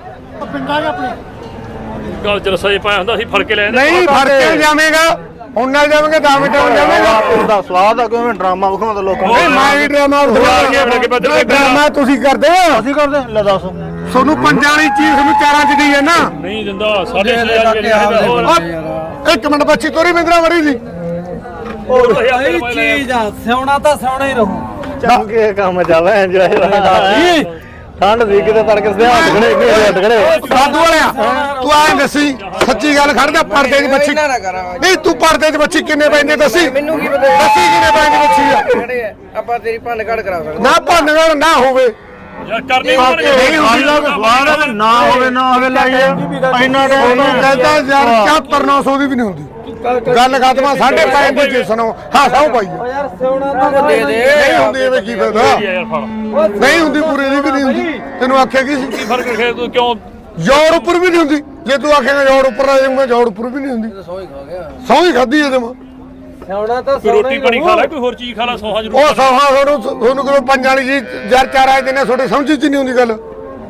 ਗੱਲ ਚ ਰਸਾ ਜੇ ਪਾਇਆ ਹੁੰਦਾ ਅਸੀਂ ਫੜ ਕੇ ਲੈ ਜਾਂਦੇ
ਨਹੀਂ ਫੜ ਕੇ ਜਾਵੇਂਗਾ ਹੁਣ ਨਾਲ ਜਾਵੇਂਗਾ 10 ਮਿੰਟ ਹੋ ਜਾਵੇਂਗਾ
ਉਹਦਾ ਸਵਾਦ ਆ ਕਿਵੇਂ ਡਰਾਮਾ ਵਿਖਾਉਂਦਾ ਲੋਕਾਂ ਨੂੰ
ਨਹੀਂ ਮੈਂ ਵੀ ਡਰਾਮਾ ਡਰਾਮਾ ਤੁਸੀਂ ਕਰਦੇ ਹੋ
ਅਸੀਂ ਕਰਦੇ ਲੈ ਦੱਸ
ਤੁਹਾਨੂੰ ਪੰਜਾਂ ਵਾਲੀ ਚੀਜ਼ ਨੂੰ ਚਾਰਾਂ ਚ ਦੀ ਹੈ ਨਾ
ਨਹੀਂ ਦਿੰਦਾ 6.5 ਹੋਰ
ਇੱਕ ਮਿੰਟ ਬੱਚੀ ਤੋਰੀ ਬਿੰਦਰਾ ਵੜੀ ਦੀ
ਸਹੀ ਚੀਜ਼ ਆ ਸਿਉਣਾ ਤਾਂ ਸਿਉਣਾ ਹੀ ਰਹੂ
ਚੰਗੇ ਕੰਮ ਚੱਲ ਇੰਜੋਏ ਠੰਡ ਦੀ ਕਿਤੇ ਤੜਕੇ ਸਿਆ ਹੱਥ ਖੜੇ
ਸਾਧੂ ਵਾਲਿਆ ਤੂੰ ਐਂ ਦੱਸੀ ਸੱਚੀ ਗੱਲ ਖੜਦਾ ਪਰਦੇ ਦੀ ਬੱਚੀ ਨਹੀਂ ਤੂੰ ਪਰਦੇ ਦੀ ਬੱਚੀ ਕਿੰਨੇ ਪੈਂਦੇ ਦੱਸੀ
ਮੈਨੂੰ ਕੀ ਪਤਾ
ਦੱਸੀ ਕਿੰਨੇ ਪੈਂਦੀ ਬੱਚੀ ਆ
ਖੜੇ ਆ ਆਪਾਂ ਤੇਰੀ ਭੰਨ ਘੜ ਕਰਾ ਸਕਦੇ
ਨਾ ਭੰਨਗੜ ਨਾ ਹੋਵੇ
ਯਾਰ ਕਰਨੀ
ਨਹੀਂ ਹੁੰਦੀ
ਸਵਾਦ ਨਾ ਹੋਵੇ ਨਾ ਹੋਵੇ ਲਾਈਏ ਇੰਨਾ
ਉਹਨੂੰ ਕਹਿੰਦਾ ਯਾਰ 74,900 ਦੀ ਵੀ ਨਹੀਂ ਹੁੰਦੀ ਗੱਲ ਖਾਤਮਾ 5.5 ਦੀ ਜਿਸ ਨੂੰ ਹਾਂ ਸੌ ਪਾਈ
ਓ ਯਾਰ ਸਿਉਣਾ ਤਾਂ
ਦੇ ਦੇ
ਨਹੀਂ ਹੁੰਦੀ ਐਵੇਂ ਕੀ ਫਾਇਦਾ
ਯਾਰ ਫੜ
ਨਹੀਂ ਹੁੰਦੀ ਪੂਰੇ ਦੀ ਵੀ ਨਹੀਂ ਹੁੰਦੀ ਤੈਨੂੰ ਆਖਿਆ ਕੀ ਸੀ
ਕੀ ਫਰਕ ਰੱਖਿਆ ਤੂੰ ਕਿਉਂ
ਜੋੜ ਉੱਪਰ ਵੀ ਨਹੀਂ ਹੁੰਦੀ ਜੇ ਤੂੰ ਆਖੇਗਾ ਜੋੜ ਉੱਪਰ ਆ ਜਾਊਗਾ ਜੋੜ ਉੱਪਰ ਵੀ ਨਹੀਂ ਹੁੰਦੀ
ਸੌ ਹੀ ਖਾ ਗਿਆ
ਸੌ ਹੀ ਖਾਧੀ ਇਹਦੇ ਮੈਂ
ਸਿਉਣਾ ਤਾਂ
ਕੋਈ ਰੋਟੀ ਪਾਣੀ ਖਾ ਲੈ ਕੋਈ ਹੋਰ ਚੀਜ਼ ਖਾ ਲੈ ਸੋਹਾ ਜ਼ਰੂਰ
ਉਹ ਸੌਹਾ ਤੁਹਾਨੂੰ ਕਿਉਂ ਪੰਜ ਵਾਲੀ ਜੀ ਯਾਰ ਚਾਰ ਆਏ ਦਿਨੇ ਤੁਹਾਡੇ ਸਮਝ ਚ ਨਹੀਂ ਹੁੰਦੀ ਗੱਲ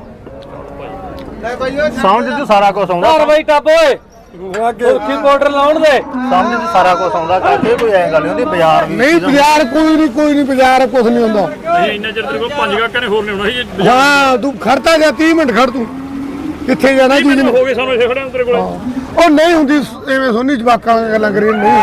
ਸਮਝ ਚ ਸਾਰਾ ਕੁਝ ਆਉਂਦਾ
ਘਰ ਬਈ ਟੱਪ ਓਏ ਉੱਥੇ ਪਾਊਡਰ ਲਾਉਣ ਦੇ
ਸਮਝ ਚ ਸਾਰਾ ਕੁਝ ਆਉਂਦਾ ਕਰਕੇ ਕੋਈ ਐਂ ਗੱਲ ਨਹੀਂ ਹੁੰਦੀ ਬਾਜ਼ਾਰ ਵੀ
ਨਹੀਂ ਬਾਜ਼ਾਰ ਕੋਈ ਨਹੀਂ ਬਾਜ਼ਾਰ ਕੁਝ ਨਹੀਂ ਹੁੰਦਾ
ਨਹੀਂ ਇੰਨਾ ਚਿਰ ਤੇਰੇ ਕੋਲ 5 ਗਾਹਕਾਂ ਨੇ ਹੋਰ ਨਹੀਂ ਹੋਣਾ ਸੀ
ਹਾਂ ਤੂੰ ਖੜਤਾ ਜਾ 30 ਮਿੰਟ ਖੜ ਤੂੰ ਕਿੱਥੇ ਜਾਣਾ ਜੀ
ਮੈਨੂੰ ਹੋ ਗਏ ਸਾਨੂੰ ਇੱਥੇ ਖੜਿਆ ਤੇਰੇ ਕੋਲ
ਉਹ ਨਹੀਂ ਹੁੰਦੀ ਐਵੇਂ ਸੋਨੀ ਜਵਾਕਾਂ ਦੀਆਂ ਗੱਲਾਂ ਕਰੀ ਨਹੀਂ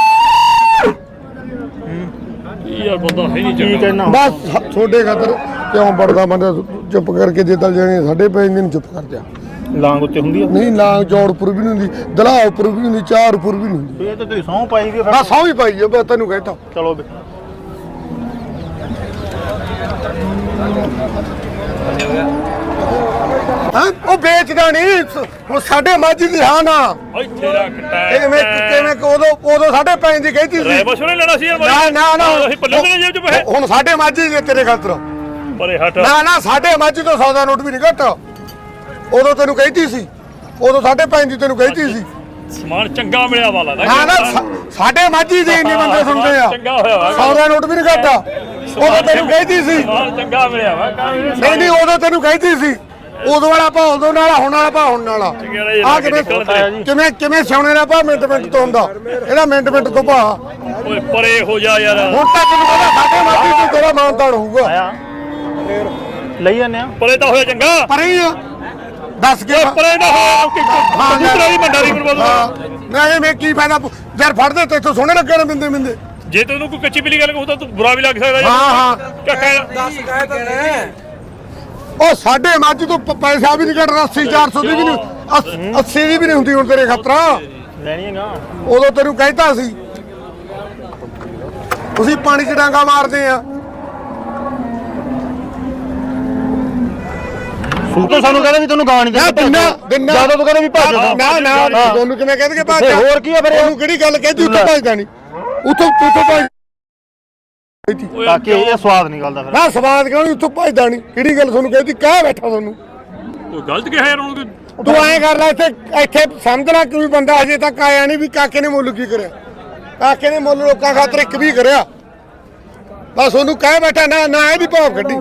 ਯਾਰ ਬੰਦਾ ਹੈ ਨਹੀਂ
ਕੀ
ਚੰਗਾ
ਕਹਿਣਾ
ਬਸ ਛੋਡੇ ਖਾਤਰ ਕਿਉਂ ਬੜਦਾ ਬੰਦਾ ਚੁੱਪ ਕਰਕੇ ਜੇ ਤਲ ਜਾਣੇ ਸਾਡੇ ਪੈ ਦਿਨ ਚੁੱਪ ਕਰ ਜਾ
ਲਾਂਗ ਉੱਤੇ ਹੁੰਦੀ ਆ
ਨਹੀਂ ਲਾਂਗ ਜੋੜ ਉੱਪਰ ਵੀ ਨਹੀਂ ਹੁੰਦੀ ਦਲਾ ਉੱਪਰ ਵੀ ਨਹੀਂ ਹੁੰਦੀ ਚਾਰ ਉੱਪਰ ਵੀ ਨਹੀਂ ਹੁੰਦੀ
ਇਹ ਤਾਂ ਤੁਸੀਂ ਸਹੁੰ ਪਾਈ ਵੀ
ਬਸ ਸੌ ਹੀ ਪਾਈ ਆ ਬਸ ਤੈਨੂੰ ਕਹਿਤਾ
ਚਲੋ ਵੀ
ਹਾਂ ਉਹ ਵੇਚਦਾ ਨਹੀਂ ਉਹ ਸਾਡੇ ਮਾਝੀ ਦੀ ਹਾਂ ਨਾ
ਇੱਥੇ ਰੱਖ ਟਾਇਰ
ਕਿਵੇਂ ਉਦੋਂ ਸਾਡੇ ਪੈਣ ਦੀ ਕਹੀ ਸੀ
ਰੈ ਬਸ਼ੋਂ ਲੈਣਾ ਸੀ ਯਾਰ
ਨਾ
ਅਸੀਂ ਪੱਲੇ ਦੇ ਜੇਬ ਚ ਪੈਸੇ
ਹੁਣ ਸਾਡੇ ਮਾਝੀ ਦੇ ਤੇਰੇ ਖਾਤਰ
ਪਰੇ ਹਟ
ਨਾ ਸਾਡੇ ਮਾਝੀ ਤੋਂ 100 ਦਾ ਨੋਟ ਵੀ ਨਹੀਂ ਘੱਟ ਉਦੋਂ ਤੈਨੂੰ ਕਹੀਤੀ ਸੀ ਉਦੋਂ ਸਾਡੇ ਪੈਣ ਦੀ ਤੈਨੂੰ ਕਹੀਤੀ ਸੀ
ਸਮਾਨ ਚੰਗਾ ਮਿਲਿਆ ਵਾਲਾ ਨਾ
ਨਾ ਸਾਡੇ ਮਾਝੀ ਦੇ ਇੰਨੇ ਬੰਦੇ ਸੁਣਦੇ ਆ
ਚੰਗਾ ਹੋਇਆ ਵਾ
100 ਦਾ ਨੋਟ ਵੀ ਨਹੀਂ ਘੱਟ ਉਦੋਂ ਤੈਨੂੰ ਕਹੀਤੀ ਸੀ
ਸਮਾਨ ਚੰਗਾ ਮਿਲਿਆ ਵਾ
ਨਹੀਂ ਉਦੋਂ ਤੈਨੂੰ ਕਹੀਤੀ ਸੀ ਉਦੋਂ ਵਾਲਾ ਭਾਅ ਉਦੋਂ ਨਾਲ ਹੁਣ ਵਾਲਾ ਭਾਅ ਹੁਣ ਵਾਲਾ ਆ ਕਿਵੇਂ ਸਿਉਣੇ ਦਾ ਭਾਅ ਮਿੰਟ ਤੋਂ ਹੁੰਦਾ ਇਹਦਾ ਮਿੰਟ ਤੋਂ ਭਾਅ
ਓਏ ਪਰੇ ਹੋ ਜਾ ਯਾਰ
ਹੁਣ ਤੱਕ ਤੈਨੂੰ ਪਤਾ ਸਾਡੇ ਮਾਝੀ ਤੋਂ ਤੇਰਾ ਮਾਨਤਾਨ ਹੋਊਗਾ
ਆਇਆ ਲਈ ਜਾਂਦੇ ਆ
ਪਰੇ ਤਾਂ ਹੋਇਆ ਚੰਗਾ
ਪਰ ਹੀ ਆ ਦੱਸ ਕੇ
ਪਰੇ ਨਾ ਹੋਇਆ ਕਬੂਤਰਾਂ ਦੀ ਮੰਡਾ ਦੀ ਬਰਬਾਦ
ਨਹੀਂ ਮੈਂ ਕੀ ਫਾਇਦਾ ਯਾਰ ਫੜਦੇ ਤੇ ਇੱਥੋਂ ਸੋਹਣੇ ਲੱਗਣ ਬਿੰਦੇ
ਜੇ ਤੈਨੂੰ ਕੋਈ ਕੱਚੀ ਪੀਲੀ ਗੱਲ ਕਹੂ ਤਾਂ ਤੂੰ ਬੁਰਾ ਵੀ ਲੱਗ ਸਕਦਾ ਯਾਰ
ਹਾਂ
ਦੱਸ ਗਏ ਤਾਂ ਨੇ
ਉਹ ਸਾਡੇ ਮੱਝ ਤੋਂ ਪੈਸਾ ਵੀ ਨਹੀਂ ਕੱਢਣਾ 80 400 ਦੀ ਵੀ ਨਹੀਂ 80 ਦੀ ਵੀ ਨਹੀਂ ਹੁੰਦੀ ਹੁਣ ਤੇਰੇ ਖਤਰਾ
ਲੈਣੀ ਹੈਗਾ
ਉਦੋਂ ਤੈਨੂੰ ਕਹਿਤਾ ਸੀ ਤੁਸੀਂ ਪਾਣੀ 'ਚ ਡਾਂਗਾ ਮਾਰਦੇ ਆ
ਸੂਤੋ ਸਾਨੂੰ ਕਹਿੰਦਾ ਵੀ ਤੈਨੂੰ ਗਾਂ ਨਹੀਂ
ਨਾ ਦਿਨਾ
ਜਦੋਂ ਤੂੰ ਕਹਿੰਦਾ ਵੀ ਭੱਜ
ਨਾ ਤੁਹਾਨੂੰ ਕਿਵੇਂ ਕਹਿੰਦੇ ਕਿ ਭੱਜ
ਹੋਰ ਕੀ ਆ ਫਿਰ
ਉਹਨੂੰ ਕਿਹੜੀ ਗੱਲ ਕਹਿੰਦੀ ਉੱਥੇ ਭੱਜਦਾ ਨਹੀਂ ਉੱਥੋਂ ਭੱਜ
ਤਾਂ ਕਿ ਇਹ ਸਵਾਦ ਨਿਕਲਦਾ ਫਿਰ
ਨਾ ਸਵਾਦ ਕਿਉਂ ਉੱਥੋਂ ਭੱਜਦਾ ਨਹੀਂ ਕਿਹੜੀ ਗੱਲ ਤੁਹਾਨੂੰ ਕਹਿੰਦੀ ਕਹਿ ਬੈਠਾ ਤੁਹਾਨੂੰ
ਕੋਈ ਗਲਤ ਕਿਹਾ ਯਾਰ ਉਹਨੂੰ
ਤੂੰ ਐਂ ਕਰ ਲੈ ਇੱਥੇ ਸਮਝ ਲੈ ਕੋਈ ਬੰਦਾ ਅਜੇ ਤੱਕ ਆਇਆ ਨਹੀਂ ਵੀ ਕਾਕੇ ਨੇ ਮੁੱਲ ਕੀ ਕਰਿਆ ਕਾਕੇ ਨੇ ਮੁੱਲ ਲੋਕਾਂ ਖਾਤਰ ਇੱਕ ਵੀ ਕਰਿਆ ਬਸ ਉਹਨੂੰ ਕਹਿ ਬੈਠਾ ਨਾ ਇਹਦੀ ਭਾਵ ਕੱਢੀ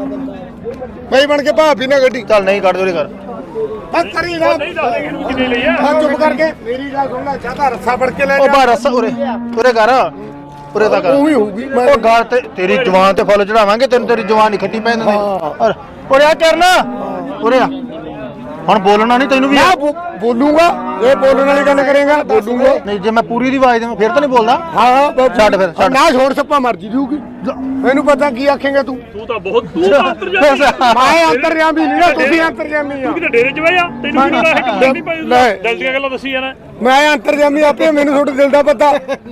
ਮੈਂ ਬਣ ਕੇ ਭਾਵ ਵੀ ਨਾ ਕੱਢੀ
ਚੱਲ ਨਹੀਂ ਕੱਢ ਦੋ ਕਰ
ਬਸ ਕਰੀ ਨਾ
ਨਹੀਂ ਦੱਸਦੇ ਇਹਨੂੰ ਕਿੰਨੇ ਲਈ ਆ
ਚੁੱਪ ਕਰਕੇ ਮੇਰੀ ਗੱਲ ਸੁਣ ਲੈ ਚਾਹਤਾ ਰੱਸਾ ਫੜ ਕੇ ਲੈ
ਉਹ ਬਾ ਰਸ ਉਰੇ ਕਰ ਉਰੇ ਤਾਂ ਕਰ
ਉਹ ਵੀ ਹੋਊਗੀ
ਉਹ ਗਾਲ ਤੇ ਤੇਰੀ ਜਵਾਨ ਤੇ ਫੁੱਲ ਚੜਾਵਾਂਗੇ ਤੈਨੂੰ ਤੇਰੀ ਜਵਾਨ ਨਹੀਂ ਖੱਟੀ ਪੈਣ ਦਿੰਦੇ ਉਰੇ ਆ ਕਰਨਾ ਉਰੇ ਆ ਹੁਣ ਬੋਲਣਾ ਨਹੀਂ ਤੈਨੂੰ ਵੀ
ਮੈਂ ਬੋਲੂਗਾ ਇਹ ਬੋਲਣ ਵਾਲੀ ਗੱਲ ਕਰੇਗਾ ਬੋਲੂਗਾ
ਨਹੀਂ ਜੇ ਮੈਂ ਪੂਰੀ ਦੀ ਆਵਾਜ਼ ਦੇਵਾਂ ਫਿਰ ਤਾਂ ਨਹੀਂ ਬੋਲਦਾ
ਹਾਂ
ਛੱਡ ਫਿਰ, ਛੱਡ।
ਨਾ ਛੋੜ ਸੱਪਾ ਮਰਜੀ ਦੂਗੀ ਮੈਨੂੰ ਪਤਾ ਕੀ ਆਖੇਗਾ ਤੂੰ
ਤੂੰ ਤਾਂ ਬਹੁਤ ਤੂੰ ਤਾਂ ਅੰਤਰ ਜਾ
ਮੈਂ ਅੰਤਰਜਾਮੀ ਨਹੀਂ ਨਾ ਤੁਸੀਂ ਅੰਤਰਜਾਮੀ ਆ
ਤੂੰ ਕਿਤੇ ਡੇਰੇ 'ਚ ਬਹਿ ਜਾ ਤੈਨੂੰ ਕੀ ਪਤਾ ਹੈ ਕਿ ਨਹੀਂ ਭਾਈ
ਲੈ।
ਦਿਲ ਦੀਆਂ ਗੱਲਾਂ ਦੱਸੀ ਜਾਣਾ
ਮੈਂ ਅੰਤਰਜਾਮੀ ਆਪੇ ਮੈਨੂੰ ਤੁਹਾਡੇ ਦਿਲ ਦਾ ਪਤਾ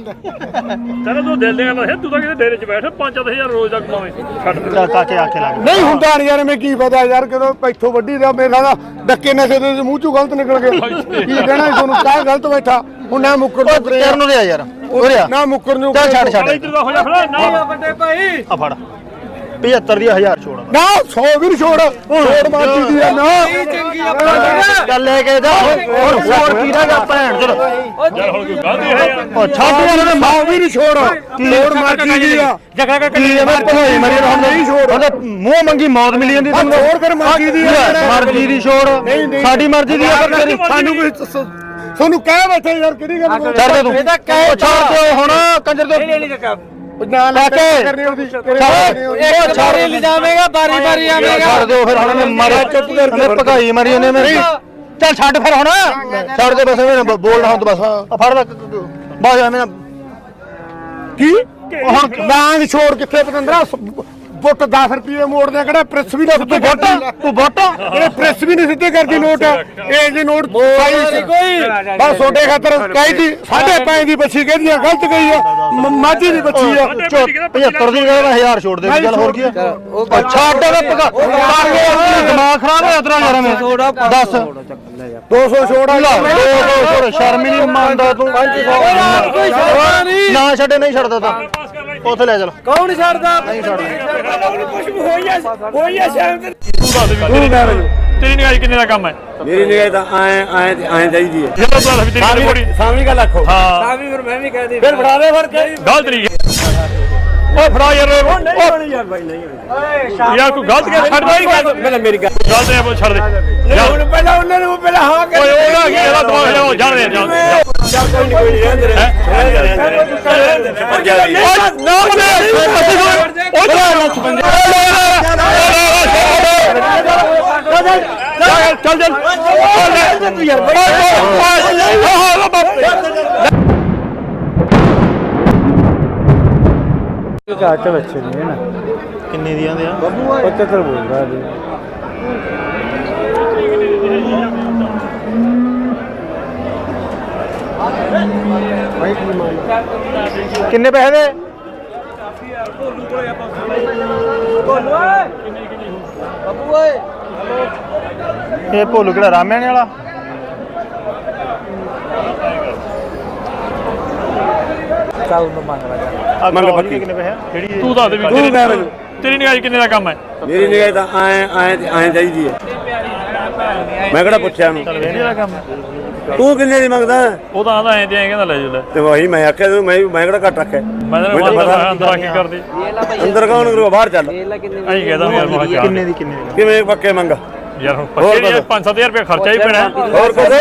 ਚਲੋ ਤੂੰ ਦਿਲ ਦੀਆਂ ਗੱਲਾਂ ਹੈ ਤੂੰ ਤਾਂ ਕਿਤੇ ਡੇਰੇ 'ਚ ਬੈਠ 5-1000 ਰੋਜ਼ ਦਾ ਕਮਾਵੇਂ ਛੱਡ ਦੇ।
ਚੱਲ ਕਾਕੇ ਆਖੇ ਲੱਗ
ਨਹੀਂ ਹੁੰਦਾ ਨਹੀਂ ਯਾਰ ਮੈਂ ਕੀ ਪਤਾ ਯਾਰ ਕਦੋਂ ਇੱਥੋਂ ਵੱਡੀ ਦਾ ਮੇਰਾ ਦਾ ਡੱਕੇ ਨਸ਼ੇ ਦੇ ਮੂੰਹ ਚੋਂ ਗਲਤ ਨਿਕਲ ਗਏ ਕੀ ਕਹਿਣਾ ਸੀ ਤੁਹਾਨੂੰ ਕਾਹ ਗਲਤ ਬੈਠਾ ਹੁਣ ਨਾ ਮੁੱਕਰ ਨੂੰ
ਕਰਨ ਨੂੰ ਦੇ ਯਾਰ ਉਰੇ ਆ
ਨਾ ਮੁੱਕਰ ਨੂੰ
ਚੱਲ ਛੱਡ
ਇੱਧਰ ਦਾ ਹੋ ਜਾ ਖੜਾ ਨਾ
ਵੱਡੇ ਭਾਈ
ਆ ਫੜ 75 ਦੀ 1000 ਛੋੜ
ਨਾ 100 ਵੀ ਨੀ ਛੋੜ ਮਾਰਦੀ ਦੀ ਆ ਨਾ
ਚੰਗੀ ਆਪਾਂ
ਚੱਲ ਲੈ ਕੇ ਜਾ ਹੋਰ ਕੀ ਰਹਿ ਗਿਆ ਭੈਣ ਚਲ
ਯਾਰ ਹੁਣ ਕੋਈ ਗਲਤੀ ਹੈ ਯਾਰ
ਉਹ ਛੱਡ ਯਾਰ ਇਹਨੇ
100 ਵੀ ਨੀ ਛੋੜ ਛੋੜ ਮਾਰਦੀ ਦੀ ਆ
ਜਗਾ ਕੀ ਮੈਂ ਭਗਾਈ ਮਰੀ ਹੁਣ ਨਹੀਂ ਛੋੜ ਉਹਦੇ ਮੂੰਹ ਮੰਗੀ ਮੌਤ ਮਿਲੀ ਜਾਂਦੀ
ਆ ਛੋੜ ਫਿਰ ਮਰਜ਼ੀ ਦੀ ਆ
ਮਰਜ਼ੀ ਦੀ ਛੋੜ ਸਾਡੀ ਮਰਜ਼ੀ ਦੀ ਆ ਪਰ ਤੇਰੀ
ਸਾਨੂੰ ਕੋਈ ਤੁਹਾਨੂੰ ਕਹਿ ਬੈਠੇ ਯਾਰ ਕਿਹੜੀ ਗੱਲ
ਛੱਡ ਦੇ ਤੂੰ ਉਹ ਛੱਡ ਦੇ ਹੁਣ ਕੰਜਰ ਦੇ
ਨਾ ਲੈ ਕੇ ਕਰਨੀ ਉਹਦੀ
ਇੱਕ ਛੋਰੇ ਲੈ ਜਾਵੇਂਗਾ ਬਾਰੀ ਆਵੇਂਗਾ
ਛੱਡ ਦਿਓ ਫਿਰ ਹੁਣ ਮਰ ਚੁੱਪ ਕਰ ਭਗਾਈ ਮਰੀ ਉਹਨੇ ਮੇਰੀ ਚੱਲ ਛੱਡ ਫਿਰ ਹੁਣ ਛੱਡ ਦੇ ਬਸ ਐਵੇਂ ਬੋਲਣਾ ਹੁਣ ਬਸ ਆ ਫੜ ਲੈ ਬਸ ਐਵੇਂ
ਕੀ ਹੁਣ ਲਾਂਗ ਛੋੜ ਕਿੱਥੇ ਪਤੰਦਰਾ ਫੁੱਟ 10 ਰੁਪਏ ਮੋੜਦੇ ਕਿਹੜਾ ਪ੍ਰੈਸ ਵੀ ਨਾ ਸਿੱਧੇ
ਤੂੰ ਵੋਟ
ਇਹ ਪ੍ਰੈਸ ਵੀ ਨਹੀਂ ਸਿੱਧੇ ਕਰਦੀ ਨੋਟ ਇਹ ਜੇ ਨੋਟ
ਕੋਈ
ਬਸ ਛੋਟੇ ਖਾਤਰ ਕਹੀ ਦੀ 5.5 ਦੀ ਬੱਚੀ ਕਹਿੰਦੀ ਆ ਗਲਤ ਗਈ ਆ ਮਾਝੀ ਦੀ ਬੱਚੀ ਆ
75 ਦੀ ਕਹਿੰਦਾ 1000 ਛੋੜ ਦੇ ਚੱਲ ਹੋਰ ਕੀ ਆ ਛੱਡ ਦੇ ਦਿਮਾਗ ਖਰਾਬ ਹੋਇਆ ਤੇਰਾ ਯਾਰ ਮੈਂ ਦੱਸ
200 ਛੋੜ ਆ
200 ਸ਼ਰਮ ਹੀ ਨਹੀਂ ਮੰਨਦਾ ਤੂੰ 500 ਨਾ ਛੱਡੇ ਨਹੀਂ ਛੱਡਦਾ ਤਾਂ ਉੱਥੇ ਲੈ ਚੱਲ
ਕੌਣ ਛੱਡਦਾ
ਨਹੀਂ ਛੱਡਦਾ
ਤੇਰੀ ਨਿਗਾਹ ਕਿੰਨੇ ਦਾ ਕੰਮ ਹੈ
ਮੇਰੀ ਨਿਗਾਹ ਤਾਂ ਐ ਚਾਹੀਦੀ ਹੈ
ਜਦੋਂ ਤੂੰ ਵੀ ਤੇਰੀ ਬੋੜੀ
ਸਾਵੀਂ ਗੱਲ ਆਖੋ
ਹਾਂ
ਤਾਂ ਵੀ ਫਿਰ ਮੈਂ ਵੀ ਕਹਿ ਦੀ
ਫਿਰ ਫੜਾ ਦੇ ਫੜ ਕੇ
ਗਲਤ ਨਹੀਂ ਓਏ ਫੜਾ ਯਾਰ
ਯਾਰ ਬਾਈ ਨਹੀਂ
ਯਾਰ ਕੋਈ ਗਲਤ ਕਰ ਛੱਡ ਦੇ
ਪਹਿਲਾਂ ਮੇਰੀ ਗੱਲ
ਗਲਤ ਹੈ ਛੱਡ ਦੇ
ਹੁਣ ਪਹਿਲਾਂ ਉਹਨਾਂ ਨੂੰ ਪਹਿਲਾਂ ਹਾਂ
ਓਏ ਉਹਦਾ ਕੀ ਇਹਦਾ ਦਿਮਾਗ ਲਿਆਓ ਜਾਣ ਦੇ
ਚੱਲ ਕੋਈ ਨਹੀਂ ਰਹਿੰਦੇ
ਚੱਲ ਚੱਲ
ਘਾਟ ਬੱਚੇ ਨਹੀਂ ਨਾ ਕਿੰਨੇ ਦੀਆਂ ਦੇ ਆ 75 ਬੋਲਦਾ ਜੀ ਕਿੰਨੇ ਪੈਸੇ ਦੇ ਇਹ ਭੋਲੂ ਕਿਹੜਾ ਰਾਮਿਆਣੇ ਵਾਲਾ
ਚੱਲ ਨੂੰ ਮੰਗ ਲਾ
ਮੰਗ ਪੱਕੀ ਕਿੰਨੇ ਪੈਸੇ ਕਿਹੜੀ
ਤੂੰ ਦੱਸ ਦੇ ਵੀ ਤੇਰੀ ਨਿਗਾਹ ਕਿੰਨੇ ਦਾ ਕੰਮ ਹੈ
ਮੇਰੀ ਨਿਗਾਹ ਤਾਂ ਐ ਚਾਹੀਦੀ ਹੈ ਮੈਂ ਕਿਹੜਾ ਪੁੱਛਿਆ ਉਹਨੂੰ
ਕਿੰਨੇ ਦਾ ਕੰਮ ਹੈ
ਤੂੰ ਕਿੰਨੇ ਦੀ ਮੰਗਦਾ
ਉਹ ਤਾਂ ਆਂਦਾ ਐਂ ਤੇ ਐਂ ਕਹਿੰਦਾ ਲੈ ਜਾ ਲੈ
ਤੇ ਵਹੀ ਮੈਂ ਆਖਿਆ ਤੈਨੂੰ ਮੈਂ ਕਿਹੜਾ ਘੱਟ ਰੱਖਿਆ
ਮੈਂ ਤਾਂ ਅੰਦਰ ਕੀ ਕਰਦੇ
ਅੰਦਰ ਕੌਣ ਕਰੂਗਾ ਬਾਹਰ ਚੱਲ
ਐਂ ਕਹਿੰਦਾ ਯਾਰ ਮੈਂ ਕਿਹਾ
ਕਿੰਨੇ ਦੀ
ਕਿਵੇਂ ਪੱਕੇ ਮੰਗ
ਯਾਰ ਹੁਣ ਪੱਕੇ 5-7000 ਰੁਪਏ ਖਰਚਾ ਹੀ ਪੈਣਾ
ਹੋਰ ਕੁਝ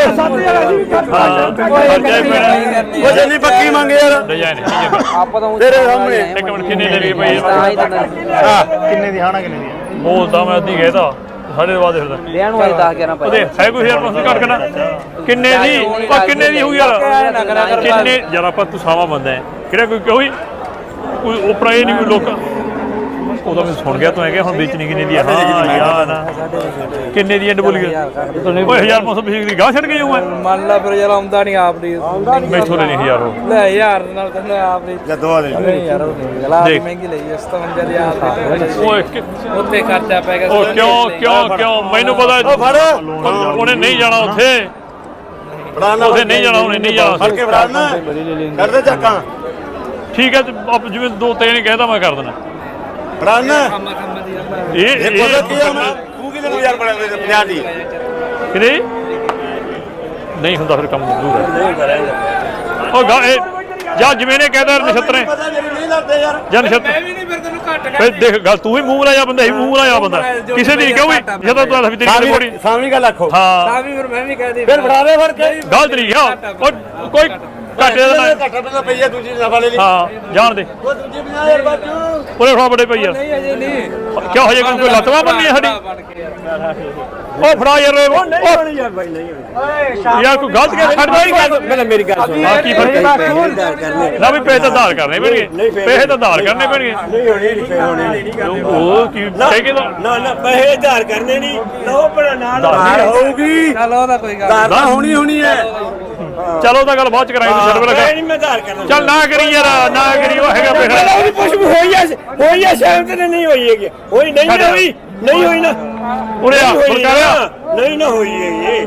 ਖਰਚਾ ਹੀ ਪੈਣਾ
ਕੁਝ ਨਹੀਂ ਪੱਕੀ ਮੰਗ ਯਾਰ
ਲੈ ਜਾ ਨਹੀਂ
ਆਪਾਂ ਤਾਂ
ਤੇਰੇ ਸਾਹਮਣੇ
ਇੱਕ ਮਿੰਟ ਕਿੰਨੇ ਲੈ ਲਈ ਭਾਈ
ਹਾਂ
ਕਿੰਨੇ ਦੀ ਹਾਣਾ ਕਿੰਨੇ ਦੀ
ਬੋਲਦਾ ਮੈਂ ਅੱਧੀ ਕਹਿਦਾ ਸਾਡੇ ਬਾਅਦ ਫਿਰਦਾ
ਲੈਣ ਵਾਲੀ 10-11
ਉਹਦੇ ਹੈ ਕੋਈ ਯਾਰ ਮਸਲ ਘੱਟ ਕਰਨਾ ਕਿੰਨੇ ਦੀ ਉਹ ਕਿੰਨੇ ਦੀ ਹੋਈ ਯਾਰ ਕਿੰਨੇ ਯਾਰ ਆਪਾਂ ਤੂੰ ਸਾਵਾ ਬੰਦਾ ਹੈ ਕਿਹੜਾ ਕੋਈ ਉਪਰਾ ਇਹ ਨਹੀਂ ਕੋਈ ਲੋਕ ਉਹਦਾ ਮੈਂ ਸੁਣ ਗਿਆ ਤੂੰ ਹੈਗਾ ਹੁਣ ਵੇਚਣੀ ਕਿੰਨੇ ਦੀ ਹੈ ਹਾਂ ਯਾਰ ਕਿੰਨੇ ਦੀ ਐਂਡ ਬੋਲ ਗਿਆ ਓਏ 1500 ਬਿਜਲੀ ਦੀ ਗਾਹ ਛੱਡ ਕੇ ਜਾਊਂ ਮੈਂ
ਮੰਨ ਲਾ ਫਿਰ ਯਾਰ ਆਉਂਦਾ ਨਹੀਂ ਆਪ ਦੀ
ਮੈਥੋਂ ਲੈ ਨਹੀਂ ਯਾਰ ਉਹ
ਲੈ ਯਾਰ ਨਾਲ ਤੈਨੂੰ ਆਪ ਦੀ
ਜਦੋਂ ਆ
ਨਹੀਂ ਯਾਰ ਉਹ ਨਹੀਂ ਗਲਾ
ਦੇਖ।
ਮਹਿੰਗੀ ਲਈ 57000 ਦੀ
ਓਏ
ਉੱਤੇ ਖਰਚਾ ਪੈ ਗਿਆ
ਉਹ ਕਿਉਂ ਮੈਨੂੰ ਪਤਾ ਉਹਨੇ ਨਹੀਂ ਜਾਣਾ ਉੱਥੇ
ਫੜਾਣਾ
ਉੱਥੇ ਨਹੀਂ ਜਾਣਾ ਉਹਨੇ ਨਹੀਂ ਜਾਣਾ
ਫੜ ਕੇ ਫੜਾਣਾ ਕਰਦੇ ਚੱਕਾਂ
ਠੀਕ ਹੈ ਤੇ ਆਪ ਜਿਵੇਂ ਦੋ ਤਿੰਨ ਕਹਿਦਾ ਮੈਂ ਕਰ ਦੇਣਾ
ਫੜਾਣਾ
ਇਹ
ਇਹ ਕੋਲ ਕੀ ਆ ਮੈਂ ਤੂੰ ਕਿਹਦੇ ਨੂੰ ਯਾਰ ਬਣਾ ਦੇ 50 ਦੀ
ਕਿਹਦੇ ਨਹੀਂ ਹੁੰਦਾ ਫਿਰ ਕੰਮ ਦੂਰ ਹੈ ਉਹ ਜਾਂ ਜਿਵੇਂ ਨੇ ਕਹਿਦਾ ਨਛੱਤਰੇ
ਪਤਾ ਨਹੀਂ ਲੱਗਦੇ ਯਾਰ
ਜਾਂ ਨਛੱਤਰ
ਵੀ ਨਹੀਂ ਫਿਰ ਤੈਨੂੰ ਘੱਟ
ਫਿਰ ਦੇਖ ਗੱਲ ਤੂੰ ਵੀ ਮੂੰਹ ਲਾਇਆ ਬੰਦਾ ਹੀ ਮੂੰਹ ਲਾਇਆ ਬੰਦਾ ਕਿਸੇ ਦੀ ਕਿਉਂ ਵੀ ਜਦੋਂ ਤੂੰ ਵੀ ਤੇਰੀ ਬੋੜੀ
ਸਾਵੀਂ ਗੱਲ ਆਖੋ
ਹਾਂ
ਤਾਂ ਵੀ ਫਿਰ ਮੈਂ ਵੀ ਕਹਿ ਦੀ
ਫਿਰ ਫੜਾ ਦੇ ਫੜ ਕੇ
ਗਲਤ ਨਹੀਂ ਗਿਆ ਉਹ ਕੋਈ ਘਾਟੇ ਦਾ ਨਾ
ਘੱਟਾ ਤਾਂ ਪਈਆ ਦੂਜੀ ਨਫਾ ਲੈ ਲਈ
ਹਾਂ ਜਾਣ ਦੇ
ਉਹ ਦੂਜੀ 50000 ਬਾਜੂ
ਉਹਨੇ ਫੜਾ ਬੜੇ ਪਈ ਯਾਰ
ਨਹੀਂ ਅਜੇ ਨਹੀਂ
ਕਿਉਂ ਹਜੇ ਕੋਈ ਲੱਤਵਾ ਬੰਨੀ ਹੈ ਸਾਡੀ
ਬਣ ਕੇ ਯਾਰ
ਉਹ ਫੜਾ ਯਾਰ
ਨਹੀਂ ਯਾਰ ਬਾਈ ਨਹੀਂ
ਯਾਰ ਕੋਈ ਗਲਤ ਕਰ ਛੱਡਦਾ ਹੀ ਗੱਲ
ਪਹਿਲਾਂ ਮੇਰੀ ਗੱਲ ਸੁਣ
ਹਾਂ ਕੀ ਫਰਕ ਹੈ ਨਾ ਵੀ ਪੈਸੇ ਤਾਂ ਧਾਰ ਕਰਨੇ ਪੈਣਗੇ ਪੈਸੇ ਤਾਂ ਧਾਰ ਕਰਨੇ ਪੈਣਗੇ
ਨਹੀਂ ਹੋਣੀ ਨਹੀਂ ਹੋਣੀ
ਉਹ ਕੀ ਕਹਿ
ਨਾ ਪੈਸੇ ਧਾਰ ਕਰਨੇ ਨਹੀਂ ਲਓ ਬਣਾ ਨਾਲ ਧਾਰ ਹੋਊਗੀ
ਚੱਲ ਉਹਦਾ ਕੋਈ ਗੱਲ
ਧਾਰ ਤਾਂ ਹੋਣੀ ਹੈ
ਚਲੋ ਤਾਂ ਗੱਲ ਬਾਅਦ ਚ ਕਰਾਂਗੇ ਛੱਡ ਬੜਾ
ਨਹੀਂ ਮੈਂ ਧਾਰ ਕਰਨਾ
ਚੱਲ ਨਾ ਕਰੀ ਯਾਰ ਨਾ ਕਰੀ ਉਹ ਹੈਗਾ ਪੈਸਾ
ਉਹਦੀ ਪੁੱਛ ਹੋਈ ਆ ਸ਼ਾਇਦ ਤੇ ਨਹੀਂ ਹੋਈ ਹੈਗੀ ਹੋਈ ਨਹੀਂ ਹੋਈ ਨਹੀਂ ਹੋਈ ਨਾ
ਉਰੇ ਆ ਫਰਕਾਰਿਆ
ਨਹੀਂ ਨਾ ਹੋਈ ਹੈਗੀ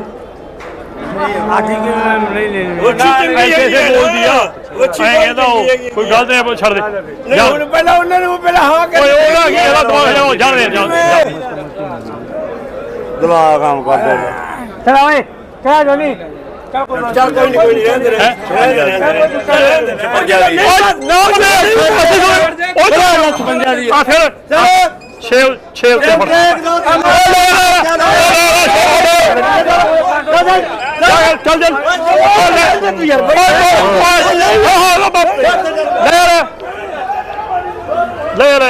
ਉਹ
ਐਸੇ ਬੋਲਦੀ ਆ ਐਂ ਕਹਿੰਦਾ ਉਹ ਕੋਈ ਗੱਲ ਨਹੀਂ ਛੱਡ ਦੇ ਜਾ
ਹੁਣ ਪਹਿਲਾਂ ਉਹਨਾਂ ਨੂੰ ਪਹਿਲਾਂ ਹਾਂ
ਓਏ ਉਹਦਾ ਕੀ ਇਹਦਾ ਦਿਮਾਗ ਲਿਆਓ ਜਾਣ ਦੇ
ਦਿਮਾਗ ਕੰਮ ਕਰਦਾ
ਚਲ ਓਏ ਕਿਆ ਜੋਨੀ
ਚੱਲ ਕੋਈ ਨਹੀਂ ਰਹਿੰਦੇ
ਆ ਫਿਰ ਛੇ ਉੱਤੇ ਫੜ ਚੱਲ ਲੈ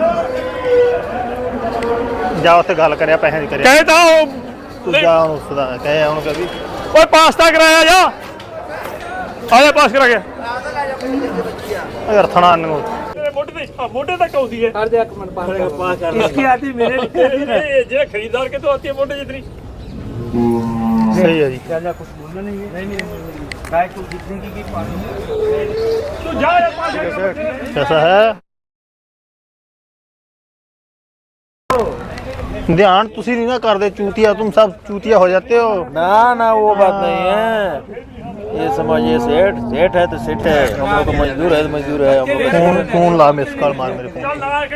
ਜਾ ਉੱਥੇ ਗੱਲ ਕਰਿਆ ਪੈਸੇ ਦੀ ਕਰਿਆ
ਕਹੇ ਤਾਂ ਉਹ
ਤੂੰ ਜਾ ਉਹਨੂੰ ਸਦਾ ਕਹੇ ਉਹਨੂੰ ਕਹੀ
ਓਏ ਪਾਸਤਾ ਕਰਾਇਆ ਜਾ ਆ ਜਾ ਪਾਸ ਕਰਾ ਗਿਆ
ਯਾਰ ਥਣਾ ਨੂੰ
ਮੋਢੇ ਤੱਕ ਆਉਂਦੀ ਹੈ
ਹਰ ਦੇ ਇੱਕ ਮਿੰਟ ਪਾਸ ਕਰ
इसकी आती मेरे जे खरीदार के तो आती है मोटे जितनी
सही है जी
ज्यादा कुछ बोलना नहीं है नहीं गाय को जितने की पानी
तू जा यार पास
कैसा है ध्यान तुसी नहीं ना कर दे चूतिया, तुम सब चूतिया हो जाते हो।
ना ना वो बात नहीं है, ये समझिए सेठ सेठ है तो सेठ है, हम लोग को मजदूर है तो मजदूर है, हम लोग
फोन फोन ला, मिस कॉल मार मेरे फोन।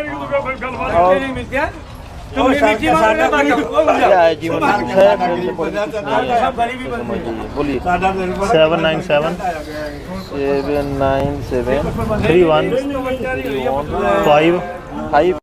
क्या है जीवन में कुछ है, फिर से कोई कुछ नहीं है, समझिए। बोलिए
797
797
31 5
5